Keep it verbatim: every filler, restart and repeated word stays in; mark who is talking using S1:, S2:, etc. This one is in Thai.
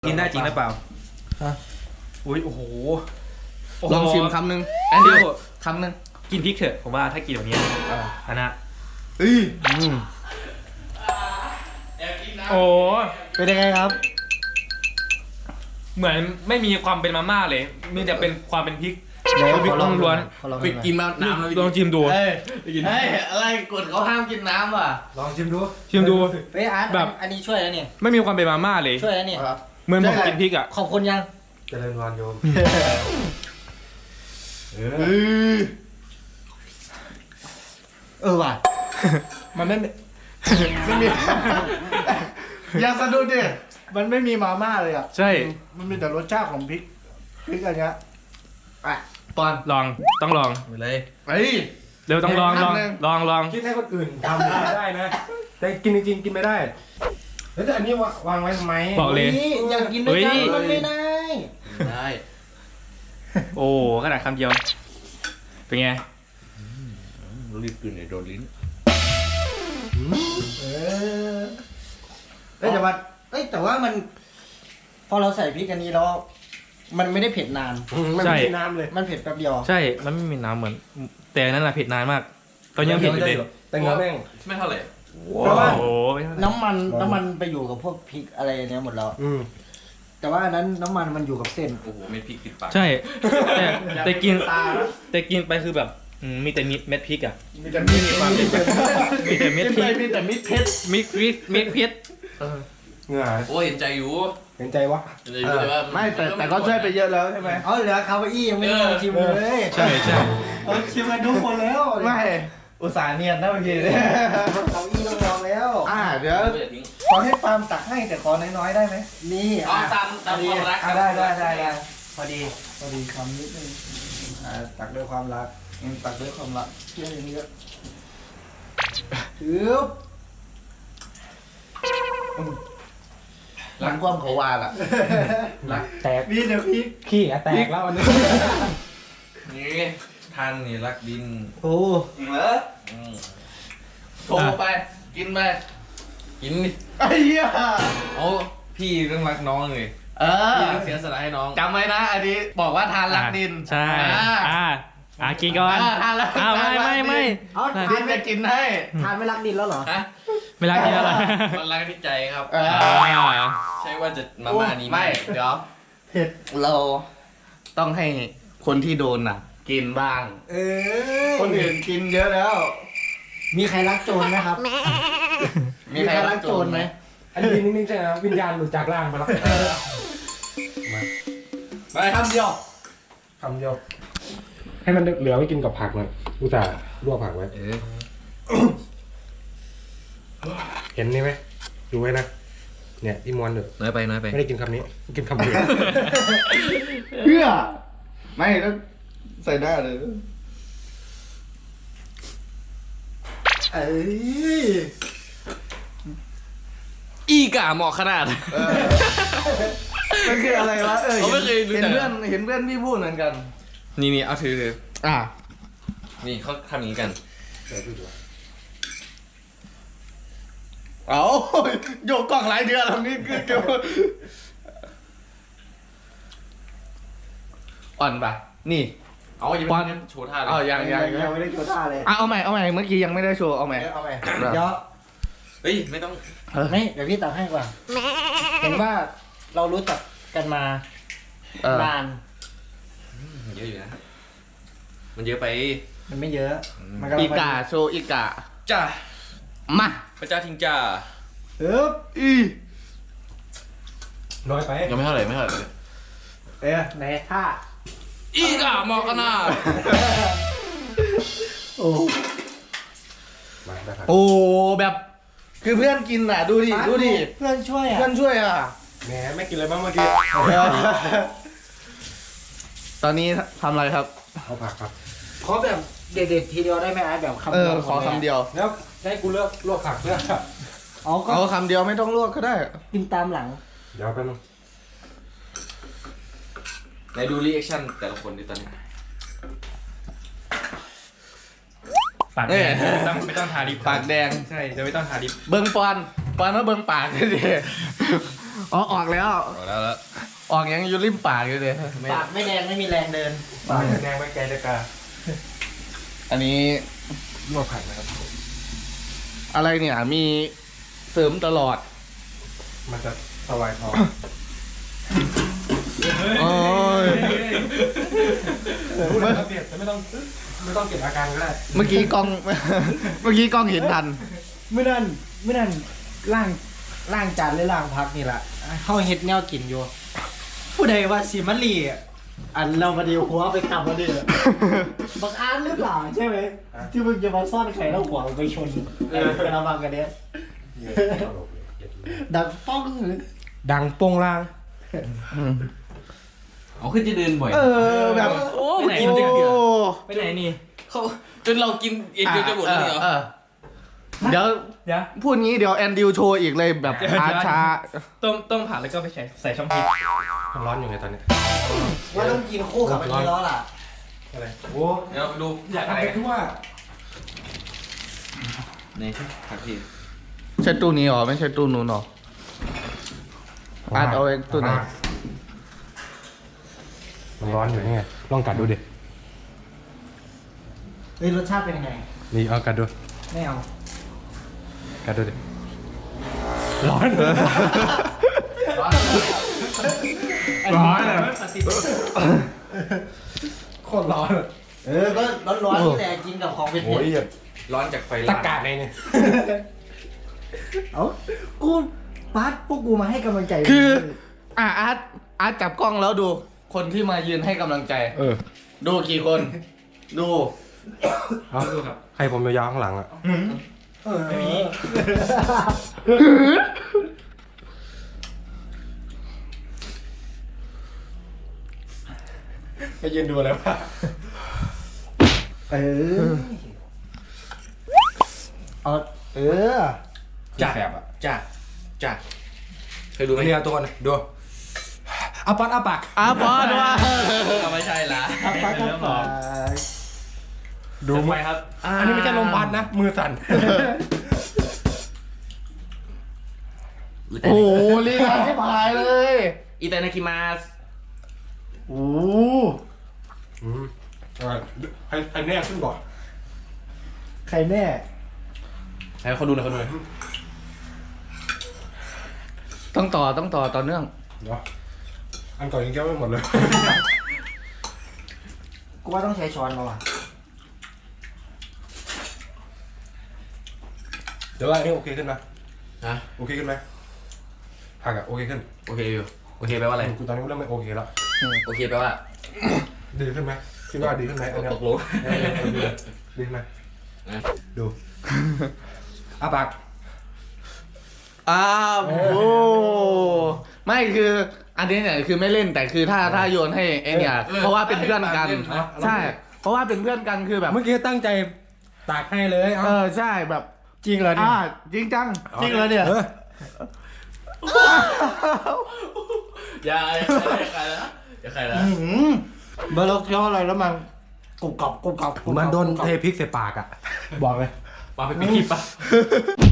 S1: กินได้จริงหรือเปล่า
S2: ฮะ
S1: อุ้ยโอ้โห
S2: ลองชิมคำหนึ่ง
S1: แอนดิว
S2: คำหนึ่ง
S1: กินพริกเถอะผมว่าถ้ากินแบบนี้อันนะ
S2: อืออืม
S1: โอ้
S2: เป็นยังไงครับ
S1: เหมือนไม่มีความเป็นมาม่าเลยมีแต่เป็นความเป็นพริก
S2: ไหน
S1: พริก
S2: ขอลอง
S1: ล้วน
S2: ขอลอง
S3: ไปกินมาน้ำแล้ว
S1: ลองชิมดู
S2: เฮ้ยเฮ้ยอะไรกฎเขาห้ามกินน้ำว่ะ
S3: ลองชิมดู
S1: ชิมดู
S4: เฮ้ยอาร์ต
S1: แบบ
S4: อันนี้ช่วยแล้วเนี่ย
S1: ไม่มีความเป็นมาม่าเลย
S4: ช่วยแล้วเนี่ย
S1: เหมือนผมกินพริกอ่ะ
S4: ขอบคุณยัง
S3: เจริญพรโยมเอ
S2: เอ
S3: อ
S2: อเออว่ะ
S3: มันไม่
S2: ไม่มีอย่าสะดุดดิมันไม่มีมาม่าเลยอ่ะ
S1: ใช่
S2: มันมีแต่รสชาติของพริกพริกอะไรเงี้ยอ่ะปอน
S1: ลองต้องลอง
S3: ไปเลย
S2: เฮ้ย
S1: เร็วต้องลองลอง
S2: เห็นคำหนึ่ง
S1: ลองลอง
S3: คิดให้คนอื่นทำได้ได้นะ แต่กินจริงๆกินไม่ได้ แล้วแต่อันนี้วางไว้ทำไม
S1: บอกเลย
S4: นี่อยากกินด้วยกัน
S1: เฮ้ย
S4: มันไม่ได้
S3: ได้
S1: โอ้ขนาดคำเดียวเป็นไง
S3: รีบกินเลยโดนลิ้น
S2: เออเอ้ยแต่ว่า
S4: เอ้ยแต่ว่ามัน พอเราใส่พริกอันนี้แล้ว มันไม่ได้เผ็ดนาน
S3: มันไม่มีน้ำเลย
S4: มันเผ็ดแป๊บเดียว
S1: ใช่มันไม่มีน้ำเหมือน แต่อันนั้นแหละเผ็ดนานมาก ตอนยังเผ็ดอยู่เลย
S3: แต่เงาแม่ง
S5: ไม่เท่าไหร่
S3: เพราะว่า
S1: โอ้โห
S4: น้ำมันน้ำมันไปอยู่กับพวกพริกอะไรเนี้ยหมดแล้ว
S3: อืม
S4: แต่ว่าอันนั้นน้ำมันมันอยู่กับเส้น
S5: โอ้โหไม่พริกติดปาก
S1: ใช่แต่แต่กิน
S2: ตานะ
S1: แต่กินไปคือแบบอืมมีแต่เม็ดพริกอ่ะ
S2: มีแต่มีความ
S1: มีแต่เม็ดพริก
S2: มีแต่มิตรเพชร
S1: มิกพริกเม็ดพริก
S3: เหงื่อ
S5: โอ้ยเห็นใจอยู่
S3: เห็นใจวะ
S5: เห็นใจอยู่แต่ว่า
S2: ไม่แต่แต่ก็ช่วยไปเยอะแล้วใช่ไหม
S4: อ๋อเหลือคาวาอี้ยังไม่ได้ลองชิมเลย
S1: ใช่ใช่
S4: เอาชิมกันทุกคนแล้ว
S2: ไม่อุตส่าห์เนียนนะเมื่อกี้เนี่ย
S4: คาวาอี้ต้องลองแล้ว
S2: อ่าเดี๋ยว
S5: ไม่ได้ทิ้ง
S2: ขอให้ปาล์มตักให้แต่ขอน้อยๆได้ไหม
S4: นี่
S5: เอาตามตามความรัก
S2: อ่ะได้ได้ได้ได้
S4: พอดี
S2: พอดีคำนิดนึงอ่าตักด้วยความรักอืมตักด้วยความรักเที่ยอย่างนี้ก็ถือรักความเขาวาล่ะรัก
S3: แตก
S2: นี่เดี๋ยวพี่
S3: ขี้อะแตกแล้วอันนี้
S5: นี่ท่านนี่รักดิน
S4: โอ้
S2: เหรอ
S5: อืม
S2: โทรไปกินไป
S5: กินดิ
S2: ไอ้เหี้ย
S5: เอาพี่ต้องรักน้องเลย
S2: เออ
S5: พี่ต้องเสียสละให้น้อง
S2: จำไว้นะ อันนี้บอกว่าทานรักดิน
S1: ใช่
S2: อ่า
S1: อ่าอ่ากินก่อน
S2: อ่าทานรัก
S1: อ้าวไม่ไม่ไม่
S4: เอา
S1: ได้
S4: ทา
S2: ดิ
S4: น
S2: น
S4: ไม่
S2: จะกินให้
S4: ทานไม่รักดินแล้วเหรอ
S5: ฮะ
S1: ไม่รักกินอะไร
S5: มันรักที่ใจครับ
S2: เออ
S1: อ่า
S5: ใช่ว่าจะมาม่านี้
S2: ไม่ เดี๋ยว
S4: เผ็ด
S2: เราต้องให้คนที่โดนน่ะ กินบ้าง
S4: เออ
S2: คนอื่นกินเยอะแล้ว
S4: มีใครรักโจรไหมครับ มีใครรักโจรไหม
S3: อันนี้นิ่งๆใช่ไหมวิญญาณหลุดจากร่างไปแล้ว
S2: ไปคำเดียว
S3: คำเดียวให้มันเหลือไว้กินกับผักหน่อยอุตส่าห์ลวกผักไว้
S5: เออ
S3: เห็นนี่ไหมดูไว้นะเนี่ยพี่มวนเด้อ
S5: น้อยไปน้อยไป
S3: ไม่ได้กินคำนี้กินคำอื่น
S2: เพื่อ ไม่ต้องใส่หน้าเลย
S4: เอ้ย
S5: อีกะเหมาะขนาด
S2: เออมันคืออะไรวะ เออ
S5: เขาไม่เคยรู้
S2: เห็น
S5: จัก
S2: เพื่อนเห็นเพื่อนพี่พูดเหมือนกัน
S5: นี่นี่เอาถือถือ
S2: อ่ะ
S5: นี่เขาทำอย่างนี้กัน
S2: เอาโยกกล่องหลายเดือนแล้วนี่คือเกี่ยวอ่อนปะนี่
S5: เอาอย่าไปโชว์ท่าเลย
S2: เอายังยัง
S4: ยังไม่ได้โจท่าเลย
S2: อ่ะเอาใหม่เอาใหม่เมื่อกี้ยังไม่ได้โชว์เอาใหม่
S4: เอาไปเดี๋ยว
S5: เฮ้ยไม่ต้อง
S4: ไม่เดี๋ยวพี่ตักให้ก่อนเห็นว่าเรารู้จักกันมา
S2: เออน
S4: าน
S5: เยอะอยู่นะ มันเยอะไป
S4: มันไม่เยอะ มัน
S2: อี
S4: พอดี
S2: กาโชว์อีกา
S5: จ้า
S2: มา
S5: พระเจ้าทิงจ้า
S4: เอ๊บ
S2: อี
S3: น้อยไป
S5: ยังไม่เท่าไหร่ไม่เท่าไหร่
S4: เอ๊ะไหนท่า
S5: อีกะเหมาะขนาด
S4: โอ้
S3: มาได้ครับ
S2: โอ้แบบ คือเพื่อนกินอ่ะ ดูดิดูดิ
S4: เพื่อนช่วยอ่ะ
S2: เพื่อนช่วยอ่ะ
S3: แหมไม่กินอะไรบ้างเมื่อกี้
S2: ตอนนี้ทำอะไรครับ
S3: เอาผักครับ
S4: ขอแบบเด็ดๆทีเดียวได้ไหมอาร์ตแบบคำ
S2: เอ
S4: เดี
S2: อ
S4: ยว
S2: ขอคำเดียว
S3: แล้วให้กูเลือกลวกผักเพื่อ
S4: อ๋อก็
S2: เอาคำเดียวไม่ต้องลวกก็ได้
S4: กินตามหลัง
S3: เดี๋ยวแป๊บนึง
S5: ไหนดูรีแอคชั่นแต่ละคนดิตอนนี้
S1: ปากแดงไม่ต้องไม่ต้องทาลิป
S2: ปากแดง
S1: ใช่จะไม่ต้องทาลิป
S2: เบิ้งปอนปอนมาเบิ้งปากดิอ๋อออกแล้ว
S5: เอาแล้วแล้ว
S2: ออกยังอยู่ริมปากอยู่เลย
S4: ปากไม่แดงไม่มีแรงเดิน
S3: ปากแดงไม่แกตะกา
S2: อันนี้
S3: ลวกไข่นะครับ
S2: อะไรเนี่ยมีเสริมตลอด
S3: มันจะสวายท้อง
S2: โอ้ย
S3: พูดแล้วเปลี่ยนไม่ต้องไม่ต้องเก็บอาการก็ได้
S2: เมื่อกี้กล้อง เมื่อกี้กล้องเห็นทัน
S4: เมื่อนั้นเมื่อนั้นล่างล่างจานหรือล่างพักนี่แหละเข้าเฮ็ดแนวกินอยู่ ผู้ใดว่าสิมันลีอ่ะอันเรามาดีหัวไปกลับมาดีบักอานหรือเปล่าใช่ไหมที่มึงจะมาซ่อนไข่แล้วหัวไปชนไอ้กระบังกันเนี้ยดังป้อง
S3: ดังโป้งล่าง
S5: เอาขึ้นจะเดินบ่อย
S2: เออแบบ
S1: โอ้
S2: ไป
S1: ไป
S2: ไห
S1: ไห
S2: น
S1: น
S2: โอ้
S1: ไปไหนนี่
S5: เขาจนเรากินเอ็นเดียวจะหมดแล้วเหรอ
S2: เออเดี๋ยว
S1: เดี๋ยว
S2: พูดงี้เดี๋ยวแอนดิวโชว์อีกเลยแบบช้าช้า
S1: ต้มต้มผักแล้วก็ไปใส่ใส่ช่องพริก
S3: มันร้อนอยู่ไงตอนนี้
S4: ว่าต้องกินคู่กับอันนี้แล้วล่ะ
S3: อะไรโอ้
S5: เดี๋ยวดู
S3: อยากทำไปทั่ว
S5: นี่ผักชี
S2: ใช่ตู้นี้หรอไม่ใช่ตู้นู้นหรออาร์ตเอาไว้ตู้ไหน
S3: มันร้อนอยู่นี่ไงลองกัดดูดิ
S4: เฮ้ยรสชาติเป็นยังไง
S3: นี่เอากัดดู
S4: ไม่เอา
S3: กัดดูดิร้อนร้อนอ่ะโคตรร้อนอ่ะ
S4: เออก็ร้อนๆนี่แหละกินกับของเผ็ด
S3: โอ้ย
S5: ร้อนจากไฟ
S3: ตะ
S5: ลาม
S3: กาดในเนี่ย
S4: ๆเอ้ากูปัดพวกกูมาให้กำลังใจ
S2: คืออ่ะอาร์ตอาร์ตจับกล้องแล้วดู คนที่มายืนให้กำลังใจ
S3: เออ
S2: ดูกี่คน ดู
S3: เอาใครผมยาวๆข้างหลังอ่ะ
S1: ไม่มี
S3: ไปยืนดูแล้วป่ะ
S4: เออเอาเออ
S5: จัดจัดจัดเคยดูไหม
S3: เรียตัวนะดูอาปัดอาปาก
S2: อาบอสว่า
S5: ไม่ใช่ละ
S4: ครับปัดครับปัด
S3: ดู
S1: ไปครับ
S3: อันนี้ไม่ใช่ลมพัดนะ มือสั่น
S2: โอ้โหลีลาที่พายเลย
S5: อิตานาคิมาส
S2: โอ้
S3: อืมอ่าให้ให้แน่ขึ้นก่อน
S4: ใครแน่
S5: ให้เขาดูหน่อยเขาดูหน่อย
S2: ต้องต่อต้องต่อต่อเนื่อง
S3: เดี๋ยวอันก่อนยังแก้ไม่หมดเลย
S4: กูว่าต้องใช้ช้อนแล้วอ่ะ
S3: เดี๋ยวว่าอันนี้โอเคขึ้นไหม
S5: ฮะ
S3: โอเคขึ้นไหมผักอะโอเคขึ้น
S5: โอเคอยู่โอเคแปลว่าอะไร
S3: กูตอนนี้เริ่มไม่โอเคแล้ว
S5: โอเคแปลว่า
S3: ดีขึ้นไหมคิดว่าดีขึ้นไหมอันเนี้ย
S5: ตกลง
S3: เออเออดีดีขึ้นไหมดูอาปาก
S2: อ้าวโอ้ไม่คือ อันนี้เนี่ยคือไม่เล่นแต่คือถ้าถ้าโยนให้ไอเนี่ยเพราะว่าเป็นเพื่อนกัน ใช่ เพราะว่าเป็นเพื่อนกันคือแบบ
S3: เมื่อกี้ตั้งใจตากให้เลย
S2: เออใช่แบบ
S4: จริงเหรอเนี่ย
S2: อ่าจริงจัง
S4: จริงเหรอเนี่ย
S3: ออ
S5: อย่าอย่าใครนะอย่าใครนะ
S4: อื้อหือบาร์ล็อกเคี้ยวอะไรแล้วมันกรุบกรอบกรุบกรอบกรุบกรอบ
S3: มันโดนเทพริกใส่ปากอะบอกเลย
S5: มาไปปิดคลิปปะ